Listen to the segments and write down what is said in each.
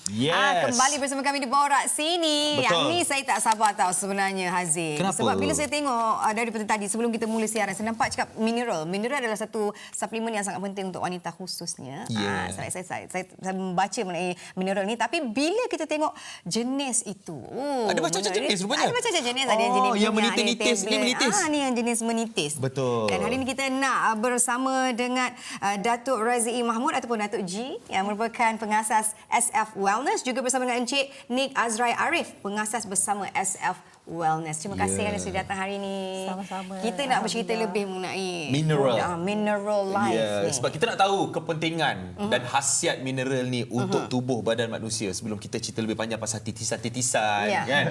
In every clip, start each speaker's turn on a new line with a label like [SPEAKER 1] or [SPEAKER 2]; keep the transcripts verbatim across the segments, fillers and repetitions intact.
[SPEAKER 1] Yes.
[SPEAKER 2] Ah, kembali bersama kami di Borak Sini.
[SPEAKER 1] Betul.
[SPEAKER 2] Yang ni saya tak sabar tahu sebenarnya, Haziq.
[SPEAKER 1] Kenapa?
[SPEAKER 2] Sebab bila saya tengok uh, daripada tadi sebelum kita mula siaran, saya nampak cakap mineral. Mineral adalah satu suplemen yang sangat penting untuk wanita khususnya.
[SPEAKER 1] Yeah.
[SPEAKER 2] Ah, saya, saya, saya, saya, saya membaca mengenai mineral ni. Tapi bila kita tengok jenis itu. Oh,
[SPEAKER 1] Ada macam-macam jenis rupanya?
[SPEAKER 2] Ada macam-macam jenis. Ada yang
[SPEAKER 1] Oh,
[SPEAKER 2] jenis
[SPEAKER 1] yang
[SPEAKER 2] minyak,
[SPEAKER 1] menitis-nitis.
[SPEAKER 2] ada
[SPEAKER 1] Ni
[SPEAKER 2] tablet.
[SPEAKER 1] menitis.
[SPEAKER 2] Ah, ni yang jenis menitis.
[SPEAKER 1] Betul.
[SPEAKER 2] Dan hari ini kita nak uh, bersama dengan uh, Datuk Razii Mahmud ataupun Datuk G yang merupakan pengasas S F Wellness, juga bersama dengan Encik Nick Azrai Arif, pengasas bersama S F Wellness. Terima kasih
[SPEAKER 1] Yeah.
[SPEAKER 2] kerana sudah datang hari ini.
[SPEAKER 3] Sama-sama.
[SPEAKER 2] Kita nak bercerita
[SPEAKER 3] Alhamdulillah.
[SPEAKER 2] lebih mengenai
[SPEAKER 1] Mineral.
[SPEAKER 2] uh, mineral life
[SPEAKER 1] Ya,
[SPEAKER 2] ni.
[SPEAKER 1] sebab kita nak tahu kepentingan uh-huh. dan khasiat mineral ni untuk uh-huh. tubuh badan manusia. Sebelum kita cerita lebih panjang pasal titisan-titisan,
[SPEAKER 2] Ya.
[SPEAKER 1] kan?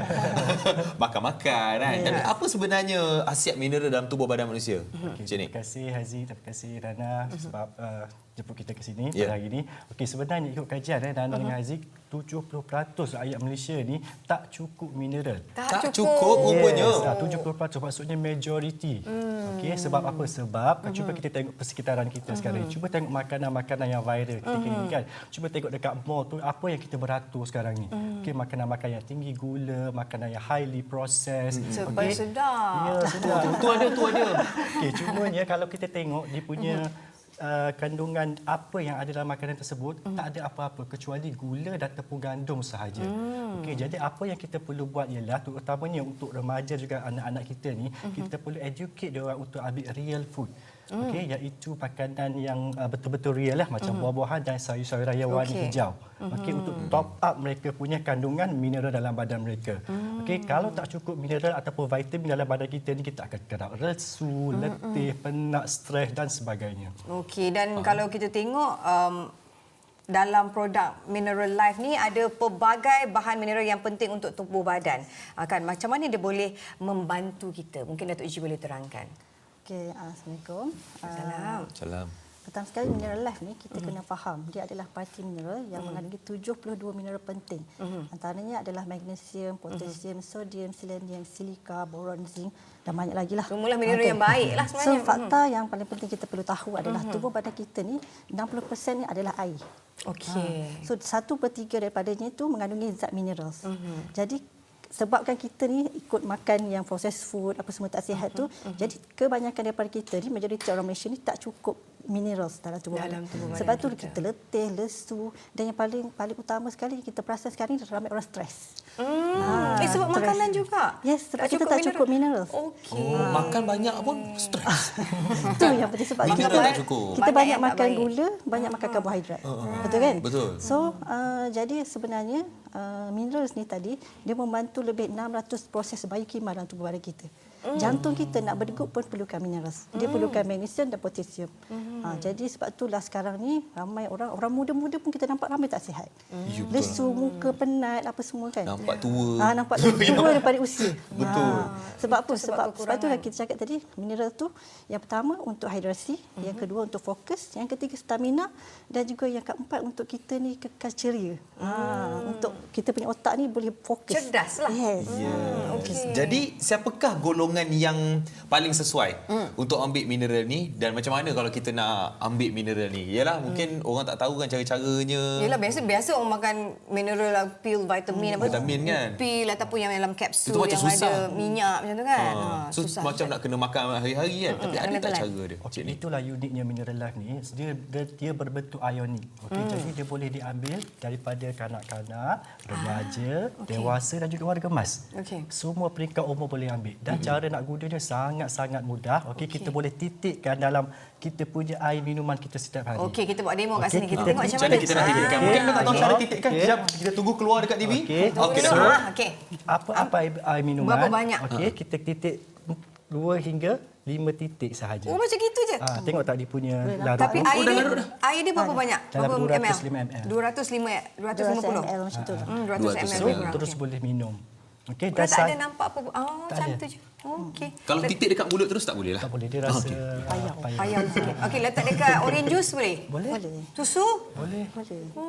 [SPEAKER 1] Makan-makan, kan?
[SPEAKER 2] Ya.
[SPEAKER 1] Tapi apa sebenarnya khasiat mineral dalam tubuh badan manusia?
[SPEAKER 2] Uh-huh.
[SPEAKER 1] Encik Nick.
[SPEAKER 4] Terima kasih Haziq, terima kasih Rana uh-huh. sebab uh, jemput kita ke sini
[SPEAKER 1] Yeah.
[SPEAKER 4] pada hari ini. Okey, sebenarnya ikut kajian eh, Rana uh-huh. dengan Haziq, tujuh puluh peratus rakyat Malaysia ni tak cukup mineral.
[SPEAKER 1] Tak cukup rupanya.
[SPEAKER 4] Yes, ah, tujuh puluh peratus maksudnya majoriti. Hmm. Okey, sebab apa? Sebab uh-huh. cuba kita tengok persekitaran kita uh-huh. sekarang. Cuba tengok makanan-makanan yang viral ketika uh-huh. ini, kan. Cuba tengok dekat mall tu apa yang kita beratur sekarang ni. Uh-huh. Okey, makanan-makanan yang tinggi gula, makanan yang highly processed.
[SPEAKER 2] Sebab
[SPEAKER 4] Okey.
[SPEAKER 2] sedap.
[SPEAKER 4] Ya, sedap.
[SPEAKER 1] Tu ada, tu ada.
[SPEAKER 4] Okey, cumanya kalau kita tengok dia punya Uh, kandungan apa yang ada dalam makanan tersebut mm. tak ada apa-apa kecuali gula dan tepung gandum sahaja. Mm. Okey, jadi apa yang kita perlu buat ialah terutamanya untuk remaja juga anak-anak kita ni, mm-hmm. kita perlu educate dia orang untuk ambil real food. Mm. Okey, iaitu makanan yang uh, betul-betul real lah, macam mm-hmm. buah-buahan dan sayur-sayuran yang warna
[SPEAKER 2] Okey.
[SPEAKER 4] hijau. Mm-hmm. Okey, untuk top up mereka punya kandungan mineral dalam badan mereka. Mm. Okey, kalau tak cukup mineral ataupun vitamin dalam badan kita ni, kita akan kena resu, mm-hmm. letih, penat, stres dan sebagainya.
[SPEAKER 2] Okey, dan uh. kalau kita tengok um, dalam produk Mineral Life ni ada pelbagai bahan mineral yang penting untuk tubuh badan. Uh, kan macam mana dia boleh membantu kita? Mungkin Datuk G boleh terangkan.
[SPEAKER 3] Okey, Assalamualaikum.
[SPEAKER 2] Salam.
[SPEAKER 1] Salam.
[SPEAKER 3] Pertama sekali, Mineral Life ni kita mm. kena faham dia adalah parti mineral yang mm. mengandungi tujuh puluh dua mineral penting. Mm. Antaranya adalah magnesium, potasium, mm. sodium, selenium, silika, boron, zinc dan banyak lagi lah.
[SPEAKER 2] Semualah mineral okay. yang baik lah sebenarnya.
[SPEAKER 3] So fakta mm. yang paling penting kita perlu tahu adalah mm. tubuh badan kita ni enam puluh peratus ni adalah air.
[SPEAKER 2] Okey.
[SPEAKER 3] Ha. So satu per tiga daripadanya itu mengandungi zat minerals. Mm-hmm. Jadi sebabkan kita ni ikut makan yang processed food apa semua tak sihat tu, uh-huh. jadi kebanyakan daripada kita ni, majoriti orang Malaysia ni tak cukup minerals dalam tubuh
[SPEAKER 2] dalam
[SPEAKER 3] badan.
[SPEAKER 2] tubuh badan
[SPEAKER 3] Sebab tu
[SPEAKER 2] kita.
[SPEAKER 3] kita letih, lesu dan yang paling paling utama sekali kita perasan sekarang ni ramai orang stres.
[SPEAKER 2] Hmm.
[SPEAKER 3] Ha,
[SPEAKER 2] eh, sebab
[SPEAKER 3] stres.
[SPEAKER 2] makanan juga?
[SPEAKER 3] Yes, sebab kita tak cukup minerals.
[SPEAKER 2] Okey.
[SPEAKER 1] Oh, makan banyak pun stres.
[SPEAKER 3] Itu yang penting sebab
[SPEAKER 1] Mineral
[SPEAKER 3] kita,
[SPEAKER 1] tak cukup.
[SPEAKER 3] kita
[SPEAKER 2] Banyak
[SPEAKER 3] banyak
[SPEAKER 2] yang tak
[SPEAKER 3] makan
[SPEAKER 2] baik.
[SPEAKER 3] gula, banyak makan karbohidrat.
[SPEAKER 1] Uh-huh.
[SPEAKER 3] Betul kan?
[SPEAKER 1] Betul.
[SPEAKER 3] So, uh, jadi sebenarnya uh, minerals ni tadi dia membantu lebih enam ratus proses biokimia dalam tubuh badan kita. Mm. Jantung kita nak berdegup pun perlukan minerals. Dia mm. perlukan magnesium dan potasium. Mm. Ha, jadi sebab itulah sekarang ni ramai orang orang muda-muda pun kita nampak ramai tak sihat. Mm. Lesu, muka penat apa semua kan.
[SPEAKER 1] Nampak tua.
[SPEAKER 3] Ha, nampak tua daripada usia.
[SPEAKER 1] Betul.
[SPEAKER 3] Ha, sebab apa?
[SPEAKER 2] Itu sebab
[SPEAKER 3] Sebab sebab itulah
[SPEAKER 2] kekurangan.
[SPEAKER 3] kita cakap tadi mineral tu yang pertama untuk hidrasi, mm-hmm. yang kedua untuk fokus, yang ketiga stamina dan juga yang keempat untuk kita ni kekal ceria. Mm. Ha, untuk kita punya otak ni boleh fokus.
[SPEAKER 2] Cerdas lah.
[SPEAKER 3] Yes.
[SPEAKER 1] Yeah.
[SPEAKER 2] Okey.
[SPEAKER 1] Jadi siapakah golongan yang paling sesuai mm. untuk ambil mineral ni, dan macam mana kalau kita nak ambil mineral ni? Yalah, mungkin mm. orang tak tahu kan cara-caranya.
[SPEAKER 2] Yelah, biasa biasa orang makan mineral lah, pil, vitamin apa.
[SPEAKER 1] Vitamin kan?
[SPEAKER 2] Pil ataupun yang dalam kapsul
[SPEAKER 1] Itu macam
[SPEAKER 2] yang
[SPEAKER 1] susah.
[SPEAKER 2] ada minyak macam tu kan.
[SPEAKER 1] Ha.
[SPEAKER 2] Ha,
[SPEAKER 1] So
[SPEAKER 2] susah.
[SPEAKER 1] macam nak kena makan hari-hari kan. Tapi
[SPEAKER 2] Kena
[SPEAKER 1] ada tak
[SPEAKER 2] telan.
[SPEAKER 1] cara dia?
[SPEAKER 4] Okey, itulah uniknya Mineral Life ni. Dia dia, dia berbentuk ionik. Okey, hmm. jadi dia boleh diambil daripada kanak-kanak, remaja,
[SPEAKER 2] Ah, okey.
[SPEAKER 4] dewasa dan juga warga emas.
[SPEAKER 2] Okey.
[SPEAKER 4] Semua peringkat umur boleh ambil. Dan hmm. cara nak guna dia sangat-sangat mudah. Okey,
[SPEAKER 2] Okey.
[SPEAKER 4] kita boleh titikkan dalam kita punya air minuman kita setiap hari.
[SPEAKER 2] Okey, kita buat demo kat
[SPEAKER 4] Okey,
[SPEAKER 2] sini. Kita
[SPEAKER 4] kita
[SPEAKER 2] tengok macam
[SPEAKER 1] Macam
[SPEAKER 2] mana.
[SPEAKER 1] mana kita nak titikkan?
[SPEAKER 4] Okey.
[SPEAKER 1] Mungkin kita tak tahu
[SPEAKER 4] Okey.
[SPEAKER 1] cara titikkan.
[SPEAKER 4] Okey.
[SPEAKER 1] Sekejap, kita tunggu keluar dekat T V.
[SPEAKER 4] Okey.
[SPEAKER 1] Okey, dah.
[SPEAKER 2] So, ah, okey.
[SPEAKER 4] Apa-apa air, air minuman.
[SPEAKER 2] Berapa banyak?
[SPEAKER 4] Okey, kita titik dua hingga lima titik sahaja.
[SPEAKER 2] Oh, macam gitu je.
[SPEAKER 4] Ah, tengok tak dia punya larut.
[SPEAKER 2] Tapi
[SPEAKER 4] tu?
[SPEAKER 2] air
[SPEAKER 1] dah
[SPEAKER 2] dia,
[SPEAKER 1] larut dah.
[SPEAKER 2] air dia berapa banyak?
[SPEAKER 4] Dalam
[SPEAKER 2] Berapa
[SPEAKER 4] dua ratus
[SPEAKER 2] ml?
[SPEAKER 4] lima mililiter.
[SPEAKER 2] dua ratus lima, dua ratus lima puluh.
[SPEAKER 3] dua ratus mililiter macam tu.
[SPEAKER 2] Hmm, dua ratus
[SPEAKER 1] dua ratus
[SPEAKER 2] mililiter
[SPEAKER 4] So,
[SPEAKER 2] lebih kurang.
[SPEAKER 4] terus
[SPEAKER 2] Okey.
[SPEAKER 4] boleh minum. Okey,
[SPEAKER 2] Kalau tak ada
[SPEAKER 4] sa-
[SPEAKER 2] nampak apa. Oh,
[SPEAKER 4] Tak
[SPEAKER 2] macam
[SPEAKER 4] ada.
[SPEAKER 2] tu je. Okey.
[SPEAKER 1] Kalau titik dekat mulut terus tak boleh lah.
[SPEAKER 4] tak boleh, dia rasa
[SPEAKER 1] Okey.
[SPEAKER 4] ah,
[SPEAKER 3] Payah.
[SPEAKER 4] payah.
[SPEAKER 2] Payah sikit. Okey, letak dekat orange juice boleh?
[SPEAKER 4] Boleh.
[SPEAKER 3] Boleh.
[SPEAKER 2] Susu?
[SPEAKER 4] Boleh.
[SPEAKER 3] Boleh.
[SPEAKER 2] Oh,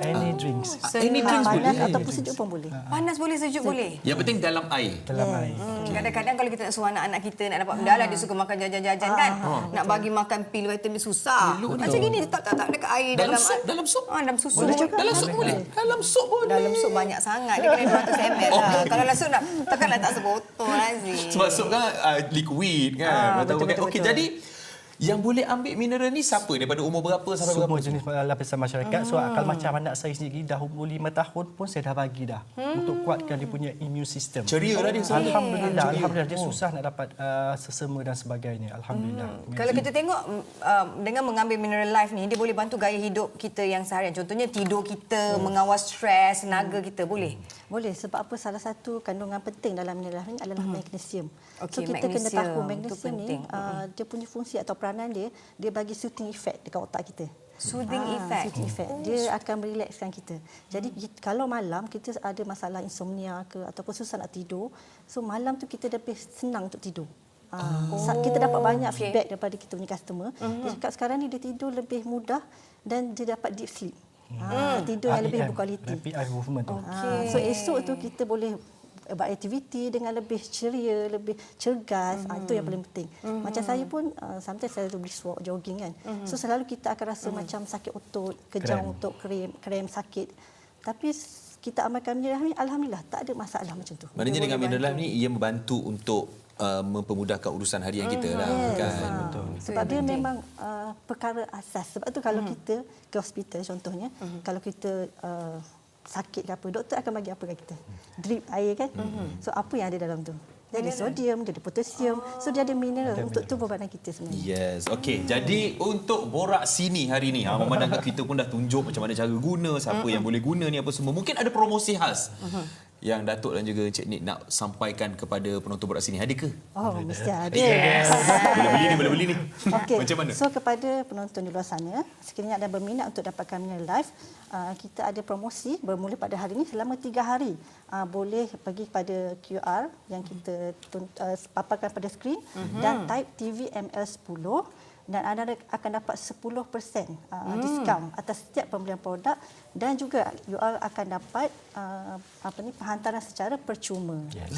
[SPEAKER 4] Any drinks.
[SPEAKER 1] Any drinks
[SPEAKER 3] Panas
[SPEAKER 1] boleh.
[SPEAKER 3] ataupun sejuk pun boleh.
[SPEAKER 2] Panas boleh, sejuk boleh.
[SPEAKER 1] Yang penting dalam air.
[SPEAKER 4] Dalam air.
[SPEAKER 2] Hmm, kadang-kadang kalau kita nak suruh anak-anak kita nak dapat benda lah, dia suka makan jajan-jajan kan. Nak bagi makan pil vitamin susah. Macam gini tak tak tak dekat air
[SPEAKER 1] Dalam
[SPEAKER 2] dalam
[SPEAKER 1] sup, dalam sup.
[SPEAKER 2] Ah, dalam susu.
[SPEAKER 3] Boleh juga.
[SPEAKER 1] Dalam sup boleh. Dalam sup boleh.
[SPEAKER 2] Dalam sup banyak sangat. Dia kena dua ratus mililiter lah. Kalau dalam sup nak takkanlah tak sebotol Aziz.
[SPEAKER 1] Sebab sup kan uh, liquid kan.
[SPEAKER 2] Ah,
[SPEAKER 1] Betul,
[SPEAKER 2] betul, betul,
[SPEAKER 1] Okey,
[SPEAKER 2] betul.
[SPEAKER 1] jadi yang boleh ambil mineral ni siapa? Daripada umur berapa sampai
[SPEAKER 4] Semua
[SPEAKER 1] berapa?
[SPEAKER 4] jenis lapisan masyarakat. So kalau macam anak saya sendiri dah umur lima tahun pun saya dah bagi dah untuk kuatkan dia punya immune system.
[SPEAKER 1] Ceria lah dia.
[SPEAKER 4] Alhamdulillah, alhamdulillah dia susah nak dapat uh, sesama dan sebagainya. Alhamdulillah.
[SPEAKER 2] Kalau kita tengok um, dengan mengambil Mineral Life ni, dia boleh bantu gaya hidup kita yang seharian. Contohnya tidur kita, mengawal stres, tenaga kita. Boleh?
[SPEAKER 3] Boleh, sebab apa salah satu kandungan penting dalam mineral ni adalah magnesium.
[SPEAKER 2] Okey,
[SPEAKER 3] so kita kena
[SPEAKER 2] magnesium,
[SPEAKER 3] tahu
[SPEAKER 2] itu
[SPEAKER 3] magnesium ni
[SPEAKER 2] penting.
[SPEAKER 3] uh, dia punya fungsi atau peranan dia, dia bagi soothing effect dekat otak kita.
[SPEAKER 2] Soothing
[SPEAKER 3] Ah,
[SPEAKER 2] effect.
[SPEAKER 3] Soothing effect. Dia akan merelakskan kita. Jadi kita- kalau malam kita ada masalah insomnia ke ataupun susah nak tidur, so malam tu kita lebih senang untuk tidur. Ah, sa- kita dapat banyak
[SPEAKER 2] okey.
[SPEAKER 3] feedback daripada kita punya customer. Dia cakap sekarang ni dia tidur lebih mudah dan dia dapat deep sleep. Ah, tidur yang lebih
[SPEAKER 4] R E M,
[SPEAKER 3] berkualiti.
[SPEAKER 4] Rapid Eye Movement tu.
[SPEAKER 3] Ah, so esok tu kita boleh beraktiviti dengan lebih ceria, lebih cergas. Mm-hmm. Ah, itu yang paling penting. Mm-hmm. Macam saya pun uh, sometimes saya pergi walk jogging kan. Mm-hmm. So selalu kita akan rasa mm-hmm. macam sakit otot, kejang
[SPEAKER 4] Krem.
[SPEAKER 3] otot, krem, krem sakit. Tapi s- kita amalkan mineral ni, alhamdulillah tak ada masalah macam tu.
[SPEAKER 1] Maknanya dengan mineral ni ia membantu untuk uh, mempermudahkan urusan harian kita lah
[SPEAKER 3] Yes,
[SPEAKER 1] kan.
[SPEAKER 3] ah.
[SPEAKER 1] Betul.
[SPEAKER 3] Sebab dia memang uh, perkara asas. Sebab tu kalau kita ke hospital contohnya, kalau kita uh, sakit ke apa, doktor akan bagi apa kat kita? Drip air kan? So apa yang ada dalam tu? Dia ada sodium, dia ada potasium. So dia ada mineral untuk tubuh badan kita sebenarnya.
[SPEAKER 1] Yes. Okey. Jadi untuk borak sini hari ni, ha, memandangkan kita pun dah tunjuk macam mana cara guna, siapa yang boleh guna ni apa semua. Mungkin ada promosi khas yang Datuk dan juga Encik Nik nak sampaikan kepada penonton borak sini. Ada ke?
[SPEAKER 3] Oh, mesti ada.
[SPEAKER 1] Yes. Boleh beli ni, boleh beli ni.
[SPEAKER 3] Okey.
[SPEAKER 1] Macam mana?
[SPEAKER 3] So kepada penonton di luar sana, sekiranya ada berminat untuk dapatkan Mineral Life, uh, kita ada promosi bermula pada hari ini selama tiga hari. Uh, boleh pergi pada Q R yang kita tun- uh, paparkan pada skrin mm-hmm. dan type T V M L sepuluh dan anda akan dapat sepuluh peratus uh, mm. diskaun atas setiap pembelian produk dan juga you all akan dapat uh, apa ni hantaran secara percuma.
[SPEAKER 4] Yes.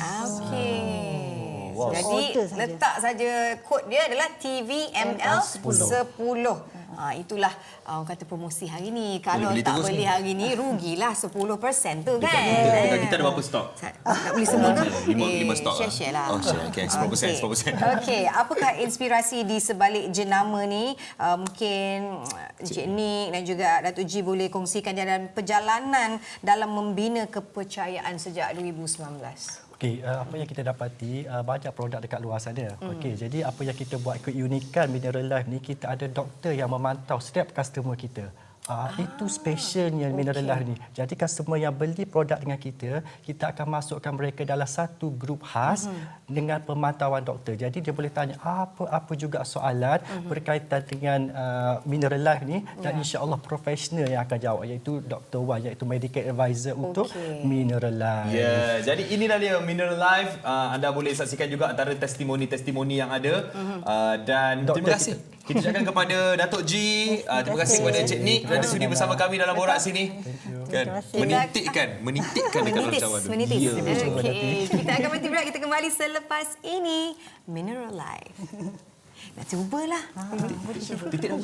[SPEAKER 2] Okey.
[SPEAKER 1] Wow.
[SPEAKER 2] Jadi
[SPEAKER 3] Order saja.
[SPEAKER 2] letak saja kod dia adalah T V M L sepuluh. Ha, itulah uh, orang kata promosi hari ni. Kalau
[SPEAKER 1] beli
[SPEAKER 2] tak
[SPEAKER 1] terus
[SPEAKER 2] beli
[SPEAKER 1] ni.
[SPEAKER 2] hari ni rugilah sepuluh peratus tu kan.
[SPEAKER 1] Dekat, dekat kita ada berapa stok?
[SPEAKER 2] Sa- Nak beli semua ke?
[SPEAKER 1] Lima, lima stok lah.
[SPEAKER 2] Share-share lah.
[SPEAKER 1] Oh, share. Okay, sepuluh peratus, sepuluh peratus.
[SPEAKER 2] Okey, apakah inspirasi di sebalik jenama ni? Uh, mungkin Encik Nik dan juga Datuk G boleh kongsikan jalan perjalanan dalam membina kepercayaan sejak dua ribu sembilan belas.
[SPEAKER 4] Okey, uh, apa yang kita dapati uh, banyak produk dekat luar sana. Mm. Okey, jadi apa yang kita buat keunikan Mineral Life ni, kita ada doktor yang memantau setiap customer kita. Uh, ah, itu specialnya okay. Mineral Life ni. Jadi customer yang beli produk dengan kita, kita akan masukkan mereka dalam satu grup khas mm-hmm. dengan pemantauan doktor. Jadi dia boleh tanya apa-apa juga soalan mm-hmm. berkaitan dengan uh, Mineral Life ni dan yeah. insya-Allah profesional yang akan jawab, iaitu Doktor Wan, iaitu medical advisor okay. untuk Mineral Life.
[SPEAKER 1] Ya, yeah. Jadi inilah dia Mineral Life. Uh, anda boleh saksikan juga antara testimoni-testimoni yang ada. Uh, dan
[SPEAKER 4] Doktor
[SPEAKER 1] terima kasih. Kita, kita ucapkan kepada Datuk G, uh, terima kasih kepada Encik Nik kerana sudi bersama kami dalam borak sini. Kan, menitikkan, menitikkan dekat dalam
[SPEAKER 2] Menitis,
[SPEAKER 1] cawan tu.
[SPEAKER 2] menitis.
[SPEAKER 1] Ya.
[SPEAKER 2] Okey, kita akan berhenti berehat. Kita kembali selepas ini. Mineral Life. Nak cubalah.
[SPEAKER 1] Titik